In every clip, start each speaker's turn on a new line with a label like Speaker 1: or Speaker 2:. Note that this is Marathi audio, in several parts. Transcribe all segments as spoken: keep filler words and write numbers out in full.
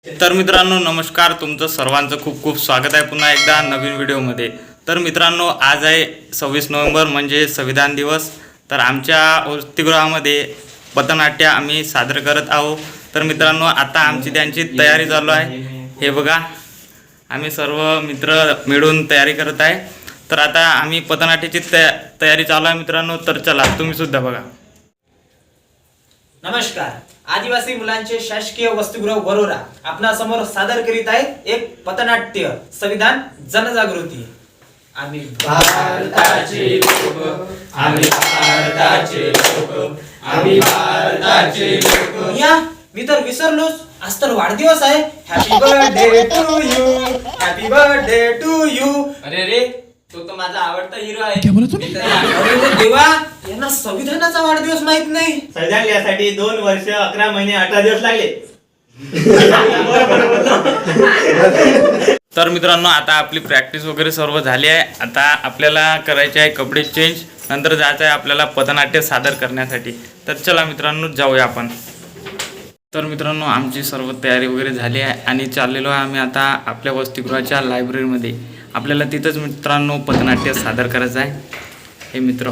Speaker 1: तर मित्रांनो नमस्कार, तुमचं सर्वांचं खूप खूप स्वागत आहे पुन्हा एकदा नवीन व्हिडिओमध्ये। तर मित्रांनो आज आहे सव्वीस नोव्हेंबर म्हणजे संविधान दिवस। तर आमच्या वसतिगृहामध्ये पथनाट्य आम्ही सादर करत आहोत। तर मित्रांनो आता आमची त्यांची तयारी चालू आहे। हे बघा आम्ही सर्व मित्र मिळून तयारी करत आहे। तर आता आम्ही पथनाट्याची तयारी चालू आहे मित्रांनो। तर चला तुम्ही सुद्धा बघा।
Speaker 2: नमस्कार, आदिवासी मुलांचे शासकीय वसतिगृह वरोरा आपणा समोर सादर करीत आहे एक पथनाट्य संविधान जनजागृती। आम्ही
Speaker 3: भारताचे लोक, आम्ही भारताचे लोक, आम्ही भारताचे लोक।
Speaker 2: या मी तर विसरलोच, आज तर वाढदिवस आहे। Happy birthday to you, happy birthday to you.
Speaker 3: अरे रे, तो तो माझा आवडता हिरो आहे।
Speaker 2: अरे देवा, यांना संविधानाचा वाढदिवस माहित नाही।
Speaker 4: संविधान लिहायसाठी दोन वर्ष अकरा महिने अठरा दिवस लागले।
Speaker 1: तर मित्रांनो आता आपली प्रॅक्टिस वगैरे सर्व झाली आहे। आता आपल्याला करायचे आहे कपडे चेंज, नंतर जायचं आहे आपल्याला पथनाट्य सादर करण्यासाठी। तर चला मित्रांनो जाऊया आपण। तर मित्रांनो आमची सर्व तयारी वगैरे झाली आहे आणि चाललेलो आहे आम्ही आता आपल्या वसतिगृहाच्या लायब्ररीमध्ये। आपल्याला तिथंच मित्रांनो पथनाट्य सादर करायचं आहे। हे मित्र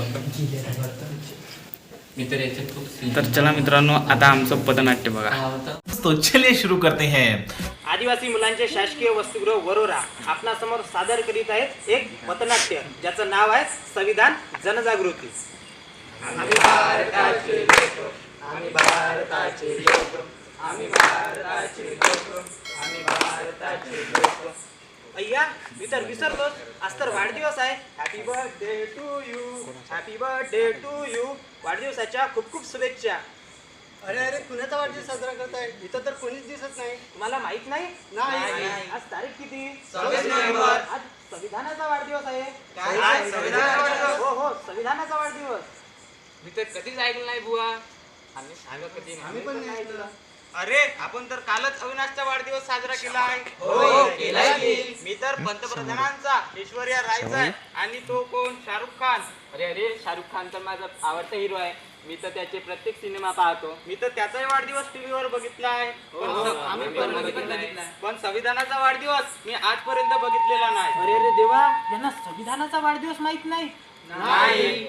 Speaker 3: मित्र याच्यात खूप
Speaker 1: तर चला मित्रांनो आता आमचं पथनाट्य बघा।
Speaker 4: तो चलिए शुरू करते हैं।
Speaker 2: आदिवासी मुलांचे शासकीय वसतिगृह वरोरा आपणा समोर सादर करीत आहेत एक पथनाट्य ज्याचं नाव आहे संविधान जनजागृती।
Speaker 3: आम्ही भारताचे लोक, आम्ही भारताचे लोक, आम्ही भारताचे लोक, आम्ही भारताचे लोक।
Speaker 2: अय्या मी तर विसरलोच, आज तर वाढदिवस आहे। Happy birthday to you, happy birthday to you. वाढदिवसाच्या खूप खूप शुभेच्छा।
Speaker 5: अरे अरे कुणाचा वाढदिवस साजरा करताय? इथं तर कोणीच दिसत नाही।
Speaker 2: तुम्हाला माहित नाही?
Speaker 5: नाही।
Speaker 2: आज तारीख किती?
Speaker 3: सव्वीस नोव्हेंबर।
Speaker 2: आज संविधानाचा वाढदिवस आहे।
Speaker 3: काय? संविधानाचा वाढदिवस?
Speaker 2: हो हो संविधानाचा वाढदिवस।
Speaker 3: मी तर कधीच ऐकलं नाही बुवा। आम्ही सांगा कधी नाही।
Speaker 5: आम्ही पण नाही ऐकलं।
Speaker 6: अरे आपण तर कालच अविनाशचा वाढदिवस साजरा केला आहे।
Speaker 3: हो केलाय की।
Speaker 6: मी तर पंतप्रधानांचा ऐश्वर्या रायचा आणि तो कोण शाहरुख खान।
Speaker 3: अरे अरे, शाहरुख खान तर माझा आवडता हिरो आहे। मी तर त्याचे प्रत्येक सिनेमा पाहतो।
Speaker 6: मी तर त्याचाही वाढदिवस टीव्हीवर बघितला आहे। पण
Speaker 3: हो,
Speaker 6: स-
Speaker 3: आम्ही पण बघितलाय।
Speaker 6: पण संविधानाचा वाढदिवस मी आजपर्यंत बघितलेला नाही।
Speaker 2: अरे अरे देवा, यांना संविधानाचा वाढदिवस माहित नाही?
Speaker 3: नाही।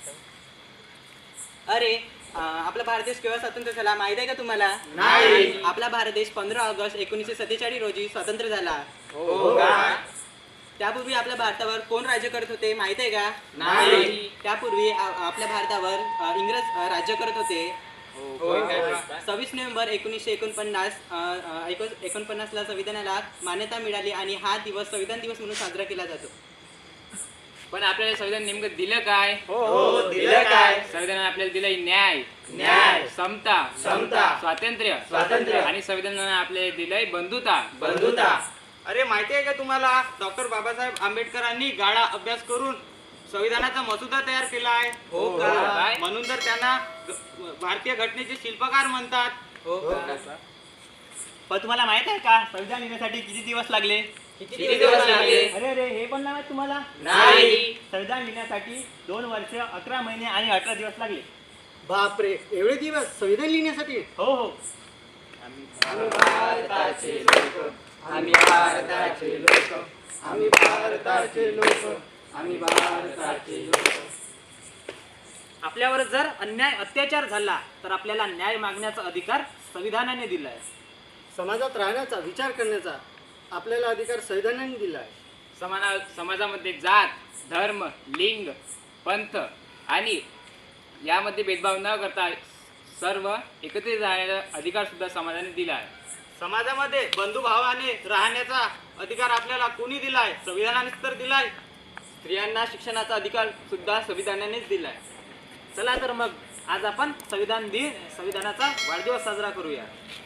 Speaker 7: अरे अं, आपला भारत देश केव्हा स्वतंत्र झाला माहित आहे का तुम्हाला?
Speaker 3: नाही।
Speaker 7: आपला भारत देश पंधरा ऑगस्ट एकोणीसशे सत्तेचाळीस रोजी स्वतंत्र झाला।
Speaker 3: हो का?
Speaker 7: त्यापूर्वी आपल्या भारतावर कोण राज्य करत होते माहित आहे का?
Speaker 3: नाही।
Speaker 7: त्यापूर्वी आ- आपल्या भारतावर अ, इंग्रज अ, राज्य करत होते।
Speaker 3: होय का?
Speaker 7: सव्वीस नोव्हेंबर एकोणीसशे एकोणपन्नास अ, अ, एकोण- एकोणपन्नासला संविधानाला मान्यता मिळाली आणि हा दिवस संविधान दिवस म्हणून साजरा केला जातो।
Speaker 3: पण आपल्याला संविधान नेमकं दिलं काय?
Speaker 6: हो
Speaker 3: दिलं काय? संविधानाने आपल्याला दिलंय न्याय,
Speaker 6: न्याय,
Speaker 3: समता,
Speaker 6: समता,
Speaker 3: स्वातंत्र्य,
Speaker 6: स्वातंत्र्य
Speaker 3: आणि संविधानाने आपल्याला दिलंय बंधुता,
Speaker 6: बंधुता। अरे माहिती आहे का तुम्हाला, डॉक्टर बाबासाहेब आंबेडकरांनी गाढा अभ्यास करून संविधानाचा मसुदा तयार केला आहे।
Speaker 3: हो का? काय?
Speaker 6: म्हणून तर त्यांना ग- भारतीय घटनेचे शिल्पकार म्हणतात।
Speaker 3: हो का?
Speaker 2: पण तुम्हाला माहित आहे का संविधान लिहिण्यासाठी किती दिवस लागले?
Speaker 3: किती दिवस लागले?
Speaker 2: अरे अरे हे पण नाही माहित तुम्हाला?
Speaker 3: नाही।
Speaker 2: संविधान लिहिण्यासाठी दोन वर्ष अकरा महिने आणि अठरा दिवस लागले।
Speaker 5: बापरे, एवढे दिवस संविधान लिहिण्यासाठी?
Speaker 2: हो हो
Speaker 3: आम्ही भारताचे लोक, आम्ही भारताचे लोक, आम्ही भारताचे लोक, आम्ही भारताचे लोक।
Speaker 2: आपल्यावर जर अन्याय अत्याचार झाला तर आपल्याला न्याय मागण्याचा अधिकार संविधानाने दिलाय।
Speaker 5: समाजात राहण्याचा, विचार करण्याचा आपल्याला अधिकार संविधानाने दिला आहे।
Speaker 3: समाना समाजामध्ये जात, धर्म, लिंग, पंथ आणि यामध्ये भेदभाव न करता सर्व एकत्रित राहण्याचा अधिकार सुद्धा समाजाने दिला आहे।
Speaker 6: समाजामध्ये बंधुभावाने राहण्याचा अधिकार आपल्याला कोणी दिलाय? संविधानानेच तर दिलाय।
Speaker 7: स्त्रियांना शिक्षणाचा अधिकार सुद्धा संविधानानेच दिलाय।
Speaker 2: चला तर मग आज आपण संविधान दिन संविधानाचा वाढदिवस साजरा करूया।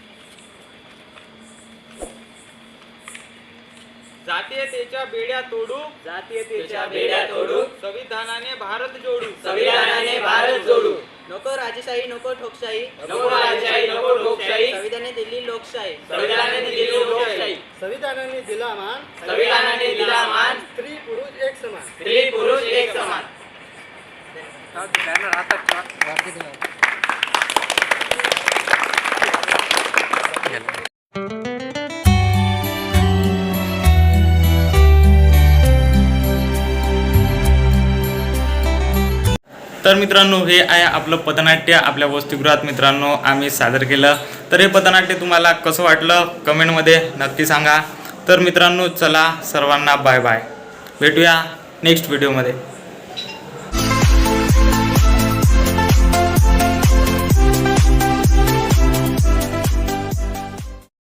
Speaker 6: जातीयतेच्या बेड्या तोडू,
Speaker 7: जातीयतेच्या
Speaker 3: बेड्या तोडू,
Speaker 6: संविधानाने भारत जोडू,
Speaker 3: संविधानाने भारत जोडू।
Speaker 7: नको राजेशाही, नको ठोकशाही,
Speaker 3: नको राजेशाही, नको लोकशाही,
Speaker 7: संविधानाने दिली लोकशाही।
Speaker 3: संविधानाने दिली लोकशाही,
Speaker 5: संविधानाने दिला मान,
Speaker 3: संविधानाने दिला मान,
Speaker 5: स्त्री पुरुष एक समान।
Speaker 3: स्त्री पुरुष एक समान।
Speaker 1: गेलं तर मित्रांनो हे आहे आपलं पथनाट्य आपल्या वसतिगृहात मित्रांनो आम्ही सादर केलं. तर हे पथनाट्य तुम्हाला कसं वाटलं कमेंटमध्ये नक्की सांगा. तर मित्रांनो चला सर्वांना बाय बाय, भेटूया नेक्स्ट व्हिडिओमध्ये.